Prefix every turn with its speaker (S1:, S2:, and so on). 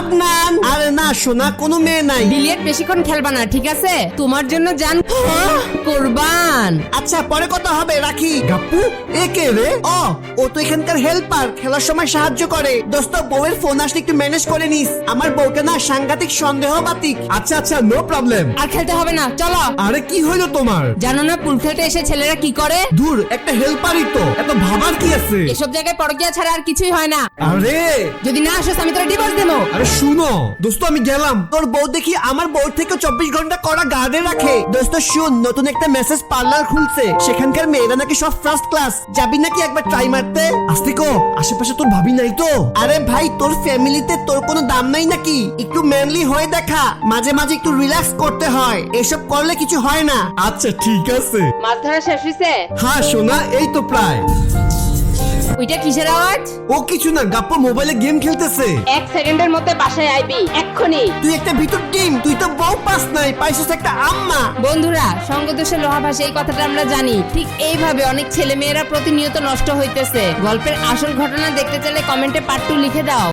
S1: আদনান। আরে না সোনা, কোনো মেয়ে নাই।
S2: বিলিয়ার্ড বেশিক্ষণ খেলবা না, ঠিক আছে? তোমার জন্য জান কুরবান।
S1: আচ্ছা পরে কথা হবে, রাখি। গাপ্পু এ কে রে? ও তো এখানকার হেল্পার, খেলার সময় সাহায্য করে। দোস্ত বউয়ের ফোন আসলে একটু ম্যানেজ করে নিস, আমার বউটা না সাংঘাতিক সন্দেহবাতিক।
S3: আচ্ছা আচ্ছা, নো প্রবলেম।
S2: আর খেলতে হবে না, চলো।
S3: আরে কি হইলো তোমার?
S2: জানো না পুল খেলতে এসে ছেলেরা কি করে?
S3: দূর, একটা হেল্পারই তো, এত ভাবার কি আছে?
S2: এসব জায়গায় পরকীয়া ছাড়া আর কিছুই হয় না।
S3: আরে
S2: যদি না আসোস আমি তোরা ডিভোর্স দেবো।
S3: আরে শুনো দোস্ত, আমি গেলাম।
S1: তোর বউ দেখি আমার বউ থেকে 24 ঘন্টা করা গার্ডে রাখে। দোস্ত শুন, নতুন একটা মেসেজ পার্লার খুলছে, সেখানকার মেয়েরা নাকি সব ফার্স্ট ক্লাস। যাবি নাকি একবার ট্রাই মারতে?
S3: আস্তিকো, আশেপাশে তোর ভাবি নাই তো?
S1: আরে ভাই, তোর ফ্যামিলিতে তোর কোনো দাম নাই নাকি? একটু ম্যানলি হয়ে দেখা, মাঝে মাঝে একটু রিল্যাক্স করতে হয়, এসব করলে কিছু হয় না।
S3: আচ্ছা ঠিক আছে।
S2: মাছ ধরা শেষ হইছে?
S3: হ্যাঁ সোনা, এই তো প্রায়।
S2: ওইটা কিসের আওয়াজ?
S3: ও কিছু না, গাপ্পা মোবাইলে গেম খেলতেছে।
S2: 1 সেকেন্ডের মধ্যে বাসায় আইবি, এক্ষুনি।
S1: তুই একটা ভিতর টিম, তুই তো বউ পাস নাই, পাইছিস একটা আম্মা।
S2: বন্ধুরা, সঙ্গদোষে লোহা ভাসে, এই কথাটা আমরা জানি। ঠিক এইভাবে অনেক ছেলে মেয়েরা প্রতিনিয়ত নষ্ট হইতেছে। গল্পের আসল ঘটনা দেখতে চাইলে কমেন্টে পার্ট 2 লিখে দাও।